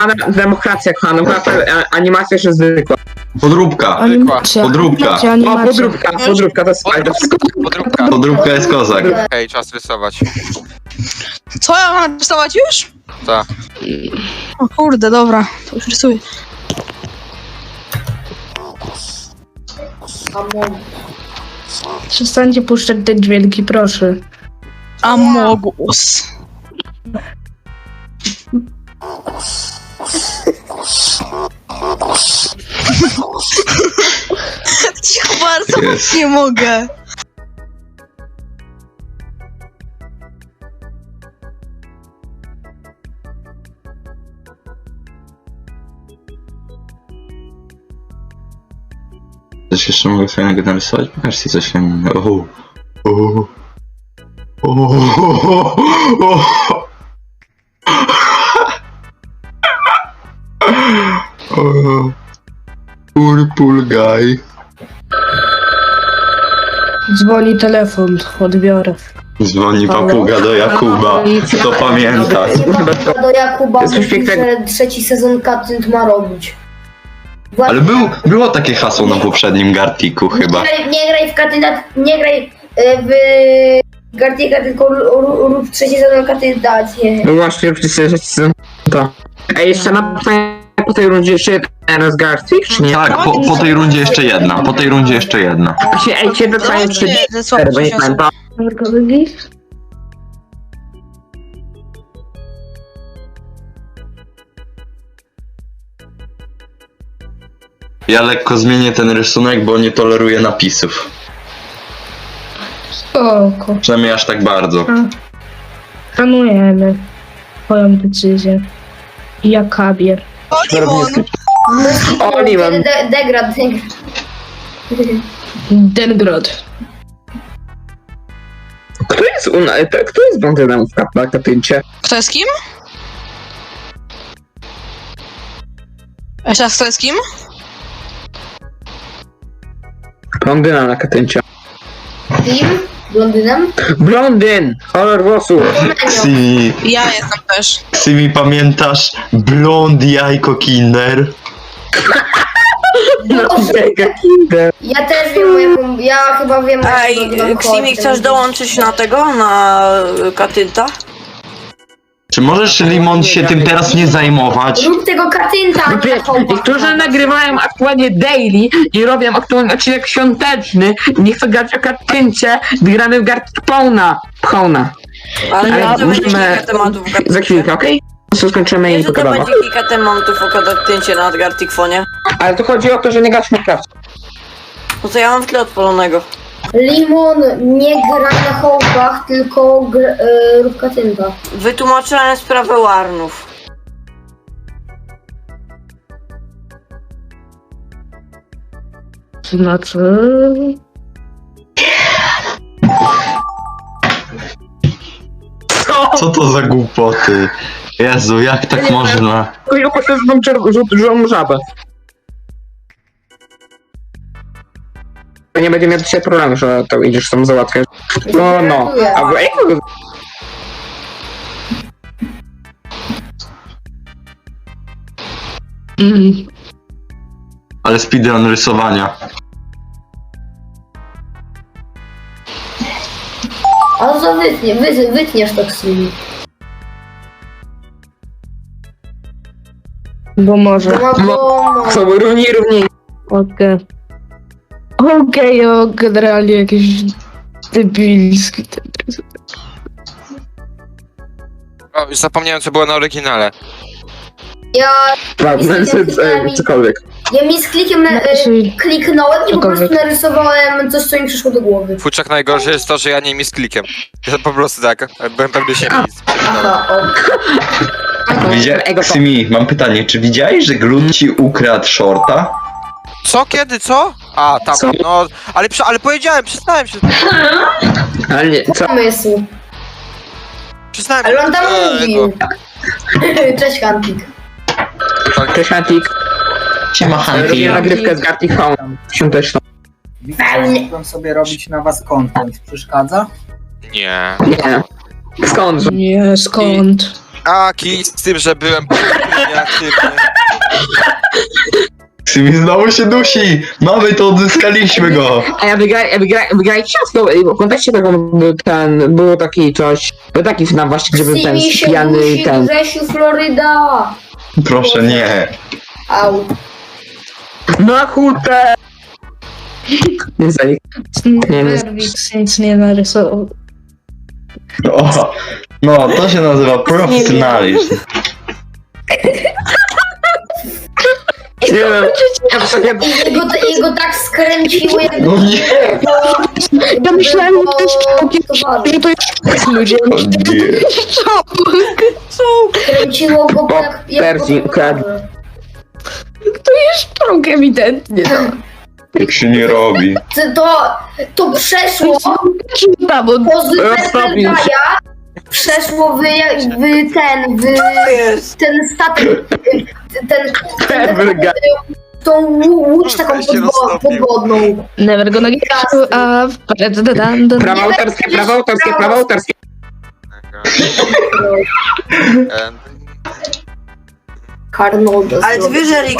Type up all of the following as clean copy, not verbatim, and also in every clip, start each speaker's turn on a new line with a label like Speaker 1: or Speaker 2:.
Speaker 1: Demokracja, kochana, animacja jeszcze zwykła.
Speaker 2: Podróbka.
Speaker 3: Animacja.
Speaker 2: Podróbka.
Speaker 3: Animacja,
Speaker 1: O,
Speaker 3: animacja.
Speaker 1: podróbka, to jest fajne.
Speaker 4: Podróbka.
Speaker 2: Podróbka jest kozak.
Speaker 4: Okej, czas rysować.
Speaker 5: Co, ja mam rysować już?
Speaker 4: Tak.
Speaker 5: O kurde, dobra, to już rysuję.
Speaker 3: Przestańcie puszczać te dźwięki, proszę.
Speaker 5: Amogus. Cicho bardzo,
Speaker 2: Jest.
Speaker 5: nie mogę.
Speaker 2: Coś jeszcze mogę fajnego narysować? Pokażcie coś fajnego. Purple guy.
Speaker 3: Dzwoni telefon, odbiorę.
Speaker 2: Dzwoni papuga do Jakuba. Kto pamięta?
Speaker 6: Do Jakuba
Speaker 1: Jest coś
Speaker 6: mówi,
Speaker 1: pięknego.
Speaker 6: że trzeci sezon Katynt ma robić.
Speaker 2: Ale było takie hasło na poprzednim Gartiku chyba.
Speaker 6: Nie graj w Katynta, nie graj w Gartika, tylko rób trzeci sezon Katynta.
Speaker 1: No właśnie, przecież to. Ej, jeszcze na po tej rundzie jeszcze jeden z Gartic, czy nie?
Speaker 2: Tak, po tej rundzie jeszcze jedna. Po tej rundzie jeszcze jedna.
Speaker 1: Właśnie, ej, ciebie fajnie
Speaker 5: No,
Speaker 1: trzy,
Speaker 5: nie, ze słabo
Speaker 1: bo nie
Speaker 5: się
Speaker 1: pamiętam.
Speaker 2: Ja lekko zmienię ten rysunek, bo nie toleruję napisów.
Speaker 3: Spoko.
Speaker 2: Przynajmniej aż tak bardzo.
Speaker 3: Szanujemy twoją decyzję. Jakabier.
Speaker 5: O, Limon!
Speaker 1: O, nie mam.
Speaker 6: Degrad.
Speaker 3: Dengrod.
Speaker 1: Kto jest blondynem na Katyncie?
Speaker 5: Kto jest kim? Jeszcze raz, kto jest kim?
Speaker 1: Blondyna na Katyncie.
Speaker 6: Kim? Blondynem?
Speaker 1: Blondyn! Kolor włosów!
Speaker 2: Ksimi,
Speaker 5: Ja jestem też.
Speaker 2: Pamiętasz blond jajko kinder?
Speaker 1: No, jaka kinder!
Speaker 6: Ja też wiem, jaką, ja chyba wiem,
Speaker 7: Ej, Ksimi, chcesz dołączyć na tego, na Katynta?
Speaker 2: Czy możesz, Limon, się tym teraz nie zajmować?
Speaker 6: Rób tego Katynta, a nie
Speaker 1: Wiesz,
Speaker 6: Hołpa.
Speaker 1: niektórzy nagrywają aktualnie daily i robią aktualnie odcinek świąteczny i nie chcą grać o Katyncie, gdy gramy w Gartic Pona.
Speaker 7: Ale
Speaker 1: Ale
Speaker 7: ja to będzie
Speaker 1: możemy
Speaker 7: kilka tematów w Katyncie.
Speaker 1: za chwilkę, okej? Okay? Skończymy
Speaker 7: Wiesz,
Speaker 1: i
Speaker 7: że to
Speaker 1: pogadamy.
Speaker 7: będzie kilka tematów o Katyncie na Garticfonie?
Speaker 1: Ale to chodzi o to, że nie grasz w Minecraft.
Speaker 7: No to ja mam w tle odpalonego.
Speaker 6: Limon nie gra na Hołpach, tylko rób Katynta.
Speaker 7: Wytłumaczyłem sprawę Warnów.
Speaker 3: Znaczy...
Speaker 2: Co to za głupoty? Jezu, jak tak można?
Speaker 1: Ja poszedł żółtą żabę. Nie będzie miał dzisiaj problemu, że to idziesz tam załatwiać. No. Albo ej,
Speaker 2: Ale speedrun rysowania.
Speaker 6: A co wytniesz to Ksimi.
Speaker 3: Bo może.
Speaker 6: No,
Speaker 1: co, równiej.
Speaker 3: Okej. Okej, generalnie jakiś debilski.
Speaker 4: O, już zapomniałem, co było na oryginale.
Speaker 6: ja
Speaker 1: Cokolwiek.
Speaker 6: mi z klikiem kliknąłem i po
Speaker 3: Cokolwiek.
Speaker 6: prostu narysowałem coś, co mi przyszło do głowy.
Speaker 4: Futrzak, najgorsze jest to, że ja nie mi z klikiem. Ja po prostu tak, byłem pewny siebie nic.
Speaker 6: Aha,
Speaker 2: Widziałeś, Ksimi, mam pytanie, czy widziałeś, że Glut ci ukradł shorta?
Speaker 4: Co? Kiedy? Co? A, tam,
Speaker 1: Co?
Speaker 4: no, ale powiedziałem, przestałem się.
Speaker 1: Ale nie, co?
Speaker 6: pomysł.
Speaker 4: Przestałem
Speaker 6: Ale on tam
Speaker 4: tego.
Speaker 6: mówił. Cześć, Hantik.
Speaker 1: Cześć, Antik.
Speaker 2: Siema,
Speaker 1: Robię nagrywkę z Gartic Phone świąteczną.
Speaker 8: Mogłem sobie robić na was content. Przeszkadza?
Speaker 4: Nie.
Speaker 1: Nie. Skąd?
Speaker 3: Nie, skąd?
Speaker 4: A, kij z tym, że byłem miniatyrny.
Speaker 2: Simi znowu się dusi! Mamy to, odzyskaliśmy go!
Speaker 1: A ja wygrałem ciasto, w kontekście tego było taki coś, był taki FNAF właśnie, gdzie był ten
Speaker 6: Simi się
Speaker 1: pijany
Speaker 6: dusi,
Speaker 1: ten.
Speaker 6: Grzesiu, Floryda.
Speaker 2: Proszę nie.
Speaker 6: Au.
Speaker 1: No kurde! Nie za nich. Nie, nie.
Speaker 3: Werwix nic nie narysował.
Speaker 2: O, no, to się nazywa profesjonalizm.
Speaker 1: Nie wiem, ja sobie...
Speaker 6: Jego tak skręciło, jak
Speaker 2: No nie!
Speaker 3: Ja myślałem, że to jest czołg, że to jest ludzie.
Speaker 2: O nie.
Speaker 6: Kręciło go jak
Speaker 1: Persji,
Speaker 6: potowarze.
Speaker 3: To jest czołg ewidentnie.
Speaker 2: Tak się nie robi.
Speaker 6: To przeszło
Speaker 3: Tam on
Speaker 6: po Zwerdaja, przeszło w ten statek, tą łódź taką
Speaker 4: się roztopił.
Speaker 6: podwodną.
Speaker 3: never gonna get you up.
Speaker 1: Prawa autorskie, prawa autorskie, prawa autorskie.
Speaker 6: Arnolda.
Speaker 7: Ale ty wiesz, że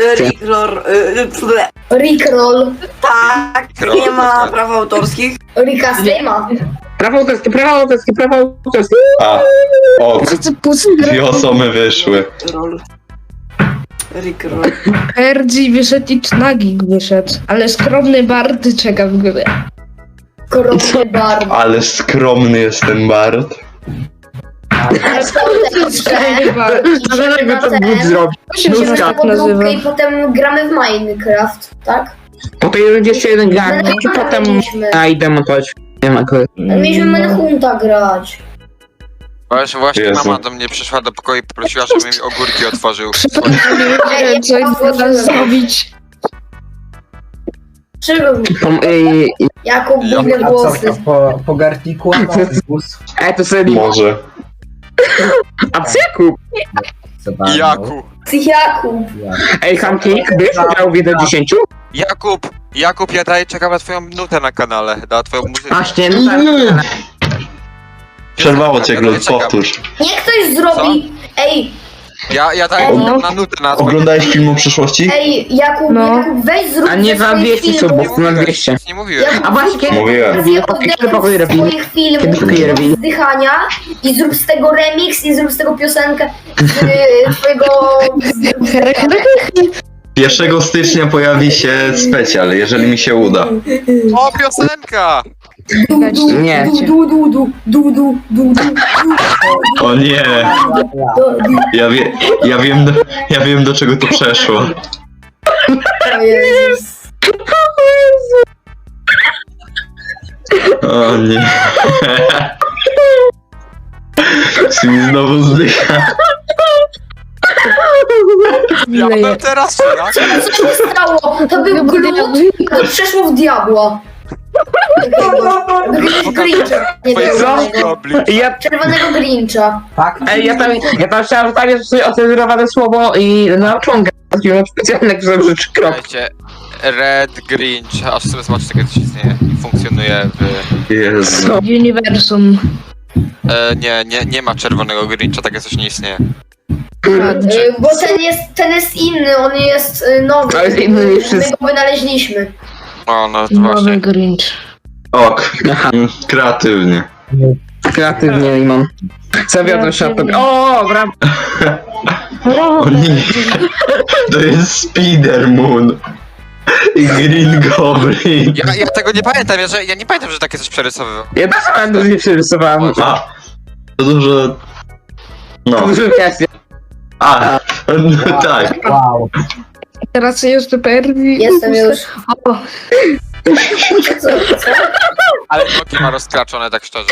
Speaker 6: Rickroll.
Speaker 7: tak, nie ma praw autorskich.
Speaker 6: Rika Stema.
Speaker 1: Prawa autorskie, prawa autorskie, prawa autorskie.
Speaker 2: A, o,
Speaker 3: Pusty
Speaker 2: dwie osoby wyszły.
Speaker 7: Roll. Rickroll.
Speaker 3: RG wyszedł i Knagik wyszedł, ale skromny Bard czeka w górę.
Speaker 6: Korony bar.
Speaker 2: Ale skromny jest ten Bart.
Speaker 3: Skromny Bard.
Speaker 1: Dlaczego to Bóg zrobił?
Speaker 3: To się
Speaker 1: Nóżka.
Speaker 3: tak nazywa.
Speaker 6: I potem gramy w Minecraft, tak?
Speaker 1: Po tej rundzie jeszcze jeden garnik i potem idę montować. Nie wiem akurat.
Speaker 6: Ale mieliśmy Manhunta grać.
Speaker 4: Właśnie
Speaker 2: Jezu.
Speaker 4: mama do mnie przyszła do pokoju i poprosiła, żebym mi ogórki otworzył.
Speaker 3: Przypadkiem nie wiedziałem, co im teraz zrobić.
Speaker 6: Czego? Jakub
Speaker 4: Ja-
Speaker 6: bujne
Speaker 8: A co,
Speaker 6: włosy.
Speaker 8: po garniku?
Speaker 1: To sobie...
Speaker 2: Może.
Speaker 1: A co Jakub?
Speaker 4: Jaku.
Speaker 6: Jakub.
Speaker 1: Ej, Hamkik, byś grał w 1.10?
Speaker 4: Jakub, ja daję, czekam na twoją nutę na kanale, na twoją muzykę.
Speaker 1: Właśnie, no tak.
Speaker 2: Przerwało cię,
Speaker 4: Ja
Speaker 2: Glut,
Speaker 4: czekam.
Speaker 2: powtórz.
Speaker 6: Niech ktoś zrobi. Ej,
Speaker 4: Ja daję
Speaker 6: No.
Speaker 4: na nutę na twoją...
Speaker 2: Oglądałeś filmu przyszłości?
Speaker 6: Jakub,
Speaker 3: No.
Speaker 6: Jakub, weź zrób
Speaker 1: A nie
Speaker 6: ze
Speaker 1: za
Speaker 6: swoich
Speaker 1: 200
Speaker 6: filmów.
Speaker 1: subów, na 200.
Speaker 4: Nic nie mówiłem.
Speaker 6: Jakub,
Speaker 1: A właśnie, kiedy
Speaker 2: Mówiłem.
Speaker 1: robili? Kiedy pokoju robili?
Speaker 6: swoich filmów
Speaker 1: Kiedy pokoju robili?
Speaker 6: wzdychania i zrób z tego remix i zrób z tego piosenkę z twojego wzdychania.
Speaker 2: 1 stycznia pojawi się specjal, jeżeli mi się uda.
Speaker 4: O, piosenka!
Speaker 1: Nie.
Speaker 2: O nie! Ja wiem do czego to przeszło.
Speaker 6: O Jezus.
Speaker 2: O nie. Simi znowu zdycha.
Speaker 4: Ja bym teraz tak?
Speaker 6: Co się stało? To był glut, to przeszło w diabła. Grincha. Nie
Speaker 4: Twoje
Speaker 6: wiem,
Speaker 4: ząbki oblicz.
Speaker 1: Ja,
Speaker 6: czerwonego Grincha.
Speaker 8: Tak?
Speaker 1: ej, ja tam chciałem zostawić sobie ocenzurowane słowo i nauczyłem grać specjalne, które rzeczy krok.
Speaker 4: Słuchajcie, Red Grinch, aż sobie zobaczę, takie coś istnieje, funkcjonuje w...
Speaker 2: Jezu.
Speaker 3: Uniwersum.
Speaker 4: Nie ma czerwonego Grincha, takie coś nie istnieje.
Speaker 6: Bo ten jest inny, on jest nowy.
Speaker 1: Ale jest inny niż
Speaker 6: My
Speaker 1: wszyscy.
Speaker 6: go wynaleźliśmy.
Speaker 4: O, no to
Speaker 3: Nowy
Speaker 4: właśnie.
Speaker 3: Grinch.
Speaker 2: Ok.
Speaker 1: Aha.
Speaker 2: Kreatywnie.
Speaker 1: Kreatywnie i mam. Zawiodłem się od tego. O, brawo!
Speaker 2: O nie. To jest Spider Moon. I Green Goblin.
Speaker 4: Ja tego nie pamiętam, ja nie pamiętam, że takie coś przerysowywał.
Speaker 1: Ja też pamiętam, że przerysowałem.
Speaker 2: A. To dużo... No.
Speaker 1: Dużo kwestii.
Speaker 2: A. No tak.
Speaker 8: Wow.
Speaker 3: Teraz jeszcze Perdi.
Speaker 6: Jestem już.
Speaker 3: O,
Speaker 6: Co?
Speaker 4: Ale nogi ma rozkraczone, tak szczerze.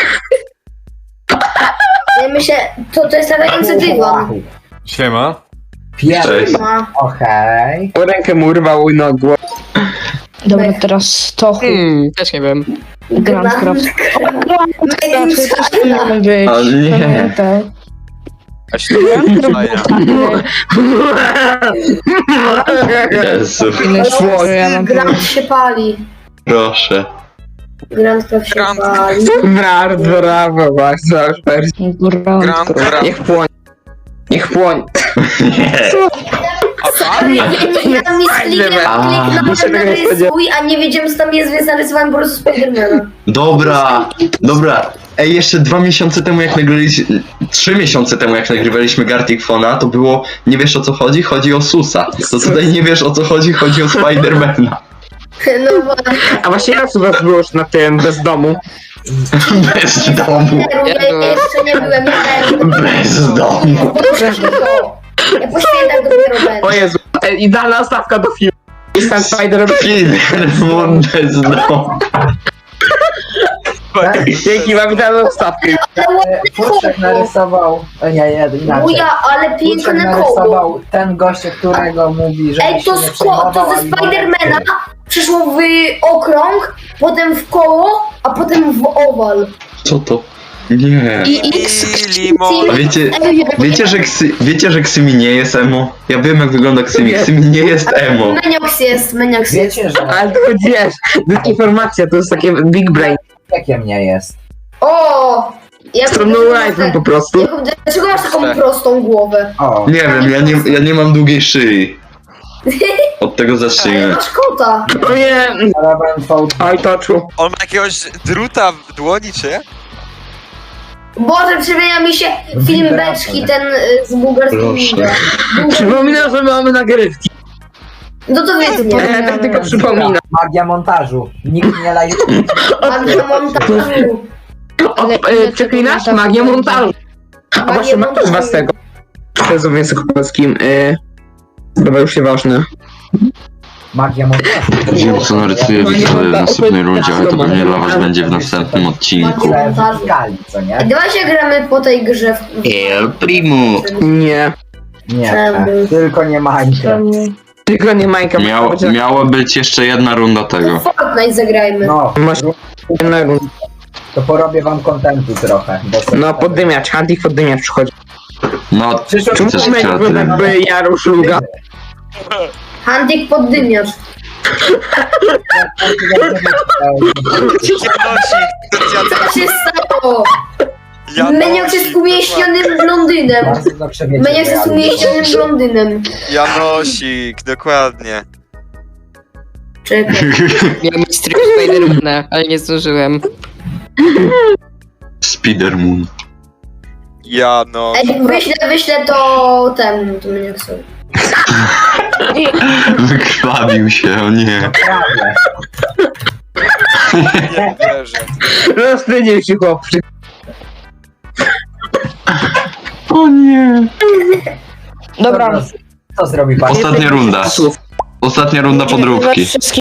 Speaker 6: Ja myślę, to jest latający dywan.
Speaker 9: Siema.
Speaker 8: Pierwszy.
Speaker 2: Cześć.
Speaker 6: Ma.
Speaker 8: Okej.
Speaker 1: Rękę mu urwał i nogło.
Speaker 3: dobra, teraz to
Speaker 1: Też nie wiem.
Speaker 3: Grandcraft. Grandcraft też tu miałem być.
Speaker 2: O nie.
Speaker 3: Pamiętaj.
Speaker 4: A się to wydaje.
Speaker 2: Jezu.
Speaker 3: Ile szło, że ja mam
Speaker 6: Grand się pali.
Speaker 2: Proszę.
Speaker 6: Grandcraft się
Speaker 4: Grand-
Speaker 6: pali.
Speaker 1: Brawo, brawo, bardzo,
Speaker 4: Grand,
Speaker 1: Niech płonie. Niech płonie.
Speaker 6: Ja tam jest kliknąłem
Speaker 1: muszę tego nie
Speaker 6: narysuj, a nie wiedziałem co tam jest, więc narysowałem po prostu Spidermana.
Speaker 2: Dobra. Ej, jeszcze 2 miesiące temu jak nagrywaliśmy... 3 miesiące temu jak nagrywaliśmy Gartic Fona, to było... Nie wiesz o co chodzi? Chodzi o Susa. To tutaj nie wiesz o co chodzi? Chodzi o Spidermana.
Speaker 6: No właśnie.
Speaker 1: A właśnie raz u was było już na tym, bez domu.
Speaker 2: Bez domu.
Speaker 6: Ja jeszcze nie byłem,
Speaker 2: Bez domu.
Speaker 6: Ja po świętach dopiero będę.
Speaker 1: O Jezu, idealna stawka do filmu. Jestem Spider-Man.
Speaker 2: Spiderman bez domu.
Speaker 1: Dzięki, mam idealną stawkę.
Speaker 8: Puszczek narysował... Nie, inaczej.
Speaker 6: Buja, ale
Speaker 8: Puszczek
Speaker 6: piękne koło.
Speaker 8: narysował ten gość, którego mówi, że
Speaker 6: Ej, to ze Spidermana przyszło w okrąg, potem w koło, a potem w owal.
Speaker 2: Co to? Nie.
Speaker 4: Limon.
Speaker 2: A wiecie, że Ksymi nie jest emo? Ja wiem jak wygląda Ksymi. Ksymi nie jest emo.
Speaker 6: Meniox jest.
Speaker 8: Wiecie, że
Speaker 1: Ale to wiesz, dezinformacja, to jest takie big brain.
Speaker 8: jakiem nie jest.
Speaker 6: O! Ja
Speaker 1: Stroną live'em po prostu.
Speaker 6: Dlaczego masz taką prostą głowę?
Speaker 8: O,
Speaker 2: Nie wiem, ja nie mam długiej szyi. Od tego
Speaker 6: Ale
Speaker 2: zacznijmy.
Speaker 6: masz kota.
Speaker 1: O nie,
Speaker 8: Paraben
Speaker 1: oj toczu.
Speaker 4: On ma jakiegoś druta w dłoni, czy?
Speaker 6: Boże, przypomina mi się film Beczki, ten z bułgarskiego.
Speaker 1: Przypominam, że mamy nagrywki.
Speaker 6: No to wiecie, nie.
Speaker 1: Tak tylko przypominam.
Speaker 8: magia montażu. Nikt nie lajuje.
Speaker 6: Magia montażu.
Speaker 1: Przeklinasz? Magię montażu. A właśnie mam też was tego. Przez w języku polskim. Dobra, już się ważne.
Speaker 8: Magia montażu.
Speaker 2: Wiem co narysuję widzowie w następnej rundzie, ale to pewnie dla was będzie w następnym odcinku.
Speaker 8: Skali, co nie?
Speaker 6: Dawaj się gramy po tej grze.
Speaker 2: El Primo.
Speaker 1: Nie.
Speaker 8: Nie, tylko nie Minecraft.
Speaker 1: Tylko nie Majka.
Speaker 2: Miała być jeszcze jedna runda tego.
Speaker 6: Fortnite zagrajmy.
Speaker 8: No,
Speaker 1: Masz jednego.
Speaker 8: to porobię wam kontentu trochę. Bo
Speaker 1: No poddymiacz, Hunting poddymiacz przychodzi.
Speaker 2: No,
Speaker 8: Przyszło
Speaker 1: Czemu
Speaker 2: Chcesz
Speaker 1: to
Speaker 2: kreatywny?
Speaker 1: jakby Jarusz Luga?
Speaker 6: Hunting poddymiacz. Co się stało? Meniox jest umieśnionym Londynem. Meniox jest umieśnionym Londynem.
Speaker 4: Janosik, dokładnie.
Speaker 6: Czekaj.
Speaker 9: Miałem mieć tryb Spidermana, ale nie zdążyłem.
Speaker 2: Spidermoon.
Speaker 4: Jano.
Speaker 6: Ej, wyślę to temu, to Menioxowi.
Speaker 2: Wykrwawił się, o nie.
Speaker 8: Prawie.
Speaker 4: Nie wierzę.
Speaker 1: Rozpędził się chłopczyk.
Speaker 2: O nie.
Speaker 8: Dobra. Co zrobi pan?
Speaker 2: Ostatnia runda. Ostatnia runda podróbki.